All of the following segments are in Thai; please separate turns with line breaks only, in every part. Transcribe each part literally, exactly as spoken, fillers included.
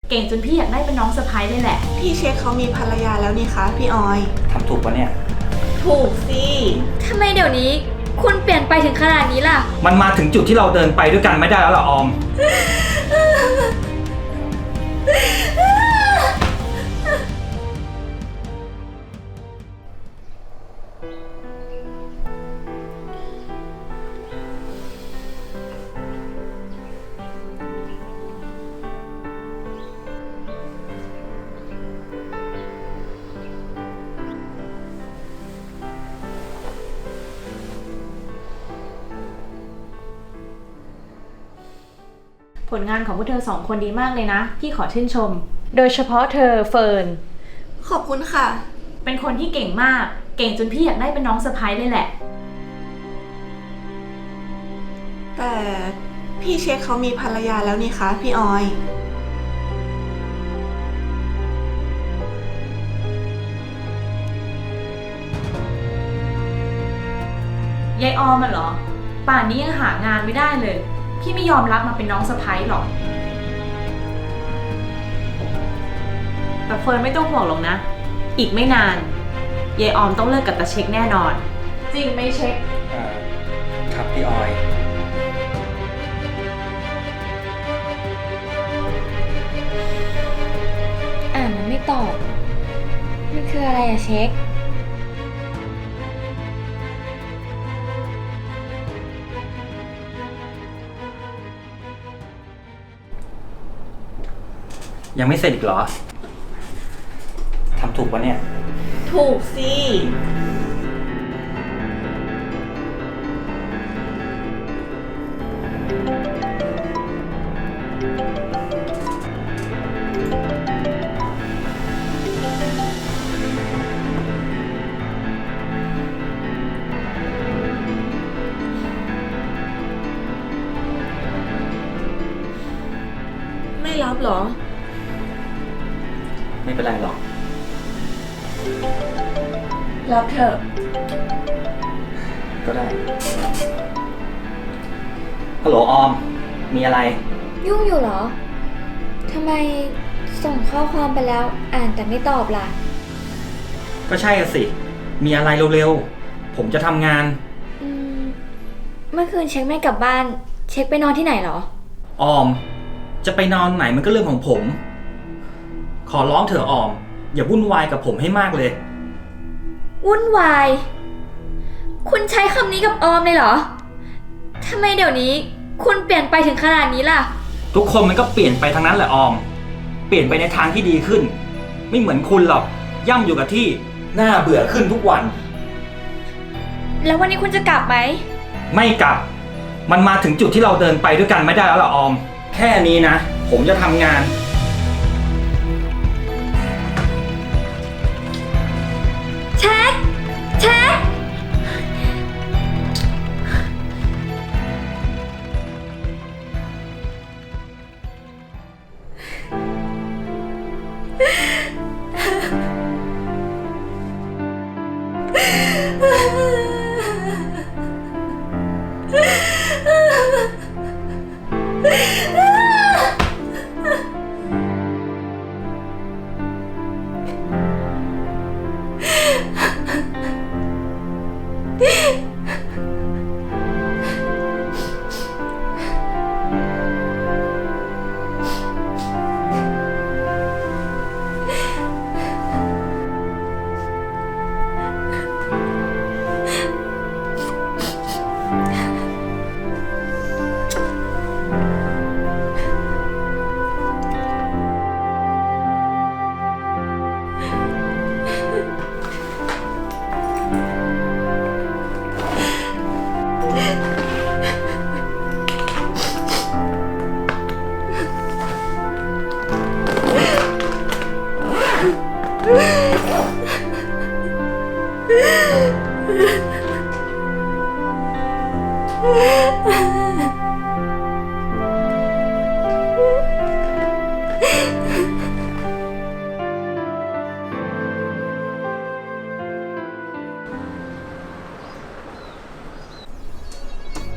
เก่งจนพี่อยากได้เป็นน้องสะใภ้เลยแหละ
พี่เช็คเขามีภรรยาแล้วนี่คะพี่ออย
ทำถูกปะเนี่ย
ถูกสิ
ทำไมเดี๋ยวนี้คุณเปลี่ยนไปถึงขนาดนี้ล่ะ
มันมาถึงจุดที่เราเดินไปด้วยกันไม่ได้แล้วล่ะออม
ผลงานของพวกเธอสองคนดีมากเลยนะพี่ขอชื่นชมโดยเฉพาะเธอเฟิร์น
ขอบคุณค่ะ
เป็นคนที่เก่งมากเก่งจนพี่อยากได้เป็นน้องสะใภ้เลยแหละ
แต่พี่เช็คเขามีภรรยาแล้วนี่คะพี่ออย
ยายออมอะเหรอป่านนี้ยังหางานไม่ได้เลยพี่ไม่ยอมรับมาเป็นน้องสะใภ้หรอกแต่เฟิร์นไม่ต้องห่วงหรอกนะอีกไม่นานยายออมต้องเลิกกับตาเช็คแน่นอนจริงไหมเช็ค
อ่าครับพี่ออย
อ่านมันไม่ตอบมันคืออะไรอะเช็ค
ยังไม่เสร็จอีกเหรอทำถูกปะเนี่ย
ถูกสิไม่รับเหรอ
ไม่เป็นไรหรอก
รับเถอะ
ก็ได้ฮัลโหลออมมีอะไร
ยุ่งอยู่เหรอทำไมส่งข้อความไปแล้วอ่านแต่ไม่ตอบล่ะ
ก็ใช่อะสิมีอะไรเร็วๆผมจะทำงาน
อืมเมื่อคืนเช็คไม่กลับบ้านเช็คไปนอนที่ไหนเหรอ
ออมจะไปนอนไหนมันก็เรื่องของผมขอร้องเถอะออมอย่าวุ่นวายกับผมให้มากเลย
วุ่นวายคุณใช้คำนี้กับออมเลยเหรอทำไมเดี๋ยวนี้คุณเปลี่ยนไปถึงขนาดนี้ล่ะ
ทุกคนมันก็เปลี่ยนไปทั้งนั้นแหละออมเปลี่ยนไปในทางที่ดีขึ้นไม่เหมือนคุณหรอกย่ำอยู่กับที่น่าเบื่อขึ้นทุกวัน
แล้ววันนี้คุณจะกลับไหม
ไม่กลับมันมาถึงจุดที่เราเดินไปด้วยกันไม่ได้แล้วล่ะออมแค่นี้นะผมจะทำงาน
เช็คเช็ค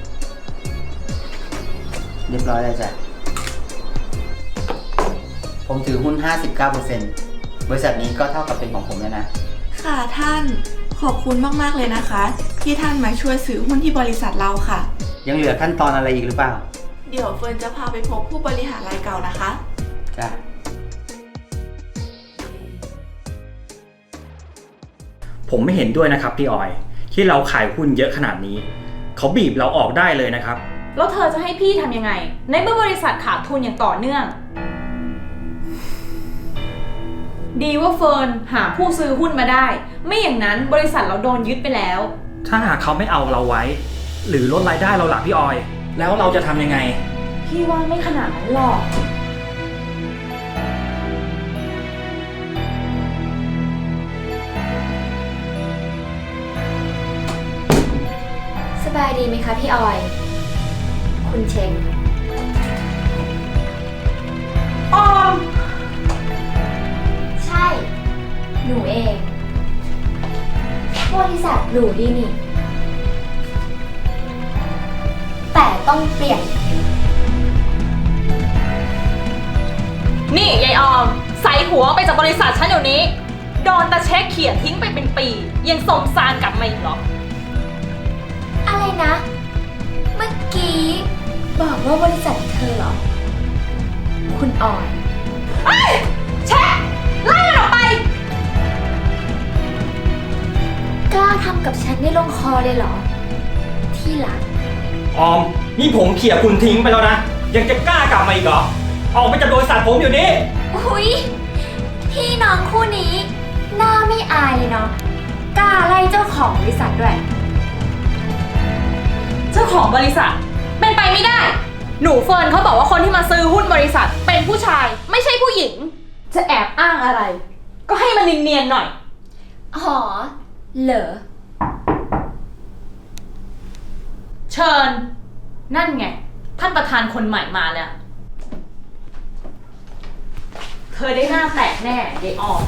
เรียบร้อยแล้วจ้ะผ
ผมถือหุ้น ห้าสิบเก้าเปอร์เซ็นต์ บริษัทนี้ก็เท่ากับเป็นของผมแล้วนะ
ค่ะท่าน ขอบคุณมากๆเลยนะคะ ที่ท่านมาช่วยซื้อหุ้นที่บริษัทเราค่ะ
ยังเหลือขั้นตอนอะไรอีกหรือเปล่า
เดี๋ยวเฟิร์นจะพาไปพบผู้บริหารรายเก่านะคะ
จ้ะ
ผมไม่เห็นด้วยนะครับพี่ออย ที่เราขายหุ้นเยอะขนาดนี้ เขาบีบเราออกได้เลยนะครับ
แล้วเธอจะให้พี่ทำยังไง ในเมื่อบริษัทขาดทุนอย่างต่อเนื่อง ดีว่าเฟิร์นหาผู้ซื้อหุ้นมาได้ ไม่อย่างนั้นบริษัทเราโดนยึดไปแล้ว
ถ้าหากเขาไม่เอาเราไว้ หรือลดรายได้เราหลักพี่ออย แล้วเราจะทำยังไง
พี่ว่าไม่ขนาดนั้นหรอก
สบายดีไหมคะพี่ออย คุณเช็ค
ออม
ใช่ หนูเอง บริษัทหรูดีนี่ แต่ต้องเปลี่ยน
นี่ยายออม ใส่หัวไปจากบริษัทฉันเดี๋ยวนี้ โดนตาเช็คเขี่ยทิ้งไปเป็นปี ยังสมซานกลับมาอีกเหรอ
อะไรนะ เมื่อกี้บอกว่าบริษัทเธอเหรอ คุณออย
เฮ้ยเช็คไล่มันออกไป
กล้าทำกับฉันได้ลงคอเลยเหรอ ที่หลัง
ออม นี่ผมเขี่ยคุณทิ้งไปแล้วนะ ยังจะกล้ากลับมาอีกเหรอ ออกไปจากบริษัทผมอยู่นี้
อุ๊ย พี่น้องคู่นี้ หน้าไม่อายเลยเนาะ กล้าไล่เจ้าของบริษัทด้วย
เจ้าของบริษัทเป็นไปไม่ได้ หนูเฟิร์นเขาบอกว่าคนที่มาซื้อหุ้นบริษัทเป็นผู้ชายไม่ใช่ผู้หญิง จะแอบอ้างอะไร ก็ให้มันเนียนๆหน่อย
อ๋อ เหรอ
เชิญ นั่นไง ท่านประธานคนใหม่มาแล้ว เธอได้หน้าแตกแน่ยายออม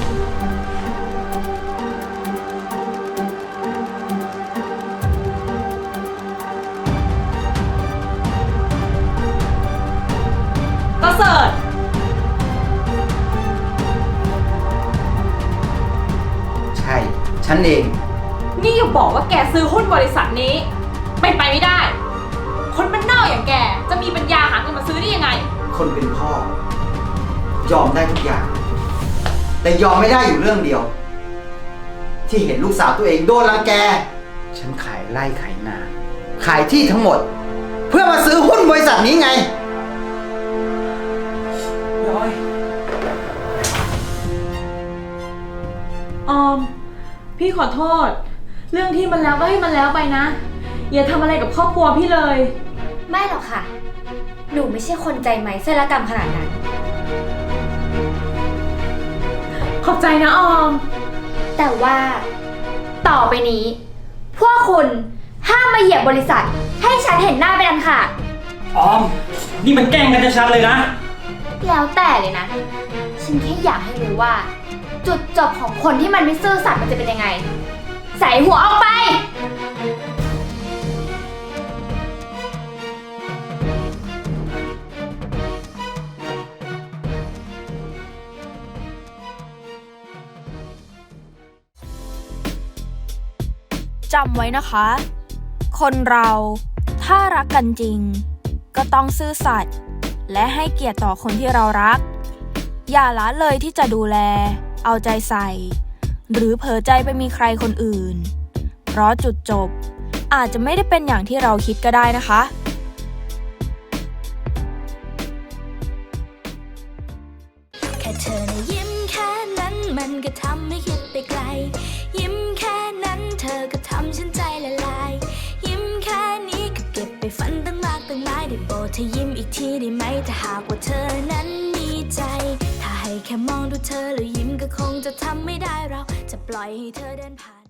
ประเสริฐ
ใช่ ฉันเอง
นี่อย่าบอกว่าแกซื้อหุ้นบริษัทนี้เป็นไปไม่ได้ คนบ้านนอกอย่างแกจะมีปัญญาหาเงินมาซื้อได้ยังไง
คนเป็นพ่อ ยอมได้ทุกอย่าง แต่ยอมไม่ได้อยู่เรื่องเดียว ที่เห็นลูกสาวตัวเองโดนรังแก ฉันขายไร่ขายนา ขายที่ทั้งหมด เพื่อมาซื้อหุ้นบริษัทนี้ไง
พี่ออย
ออม พี่ขอโทษ เรื่องที่มันแล้วก็ให้มันแล้วไปนะ อย่าทำอะไรกับครอบครัวพี่เลย
ไม่หรอกค่ะ หนูไม่ใช่คนใจไหมเสลกรรมขนาดนั้น
ขอบใจนะออม
แต่ว่า ต่อไปนี้ พวกคุณห้ามมาเหยียบบริษัท ให้ฉันเห็นหน้าเป็นอันขาด
ออม นี่มันแกล้งกันชัดๆเลยนะ
แล้วแต่เลยนะ ฉันแค่อยากให้รู้ว่า จุดจบของคนที่มันไม่ซื่อสัตย์มันจะเป็นยังไง ใส่หัวออกไป
จำไว้นะคะ คนเราถ้ารักกันจริง ก็ต้องซื่อสัตย์และให้เกียรติต่อคนที่เรารัก อย่าละเลยที่จะดูแล เอาใจใส่ หรือเผลอใจไปมีใครคนอื่น เพราะจุดจบอาจจะไม่ได้เป็นอย่างที่เราคิดก็ได้นะคะ
แค่เธอนะยิ้มแค่นั้นมันก็ทำให้คิดไปไกล ยิ้มแค่นั้นเธอก็ทำฉันใจละลาย ยิ้มแค่นี้ก็เก็บไปฝันตั้งมากตั้งหลายได้โปรดเธอยิ้มอีกทีได้ไหมถ้าหากว่าเธอนั้นมีใจ ถ้าให้แค่มองดูเธอแล้วยิ้มก็คงจะทำไม่ได้เราจะปล่อยให้เธอเดินผ่าน